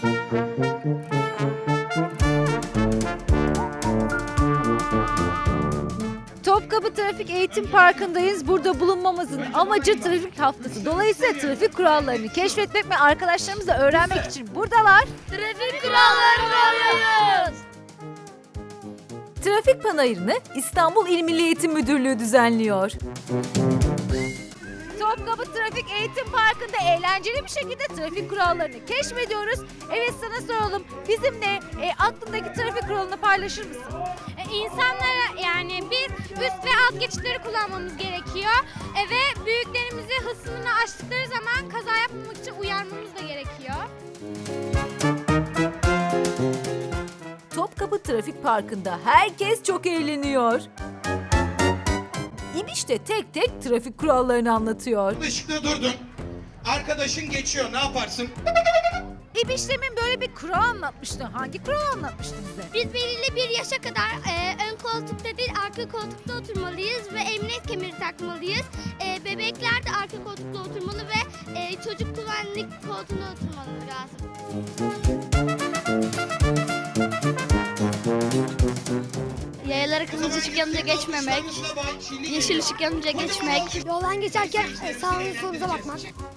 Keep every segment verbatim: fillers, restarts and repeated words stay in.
Topkapı Trafik Eğitim Parkı'ndayız. Burada bulunmamızın amacı trafik haftası. Dolayısıyla trafik kurallarını keşfetmek ve arkadaşlarımızla öğrenmek için buradalar. Trafik kurallarını öğreniyoruz. Trafik panayırını İstanbul İl Milli Eğitim Müdürlüğü düzenliyor. Topkapı Trafik Eğitim Parkı'nda eğlenceli bir şekilde trafik kurallarını keşfediyoruz. Evet, sana soralım. Bizimle e, aklındaki trafik kuralını paylaşır mısın? E, insanlara yani bir üst ve alt geçitleri kullanmamız gerekiyor. E, ve büyüklerimizi hız sınırını aştıkları zaman kaza yapmamak için uyarmamız da gerekiyor. Topkapı Trafik Parkı'nda herkes çok eğleniyor. İbiş de tek tek trafik kurallarını anlatıyor. Işıkta durdun. Arkadaşın geçiyor. Ne yaparsın? İbişlemin böyle bir kural anlatmıştı. Hangi kural anlatmıştı bize? Biz belirli bir yaşa kadar e, ön koltukta değil arka koltukta oturmalıyız ve emniyet kemeri takmalıyız. E, bebekler de arka koltukta oturmalı ve e, çocuk güvenlik koltuğunda oturmalı lazım. Yayalara kırmızı ışık yanınca geçmemek, yeşil ışık yanınca geçmek. Yoldan geçerken sağınıza solunuza bakmak.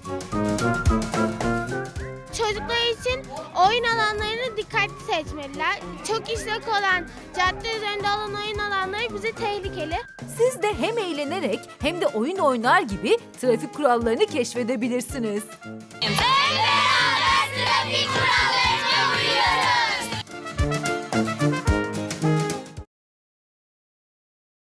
Çocuklar için oyun alanlarını dikkatli seçmeliler. Çok işlek olan cadde üzerinde olan oyun alanları bize tehlikeli. Siz de hem eğlenerek hem de oyun oynar gibi trafik kurallarını keşfedebilirsiniz. Trafik kurallarına uyuyoruz.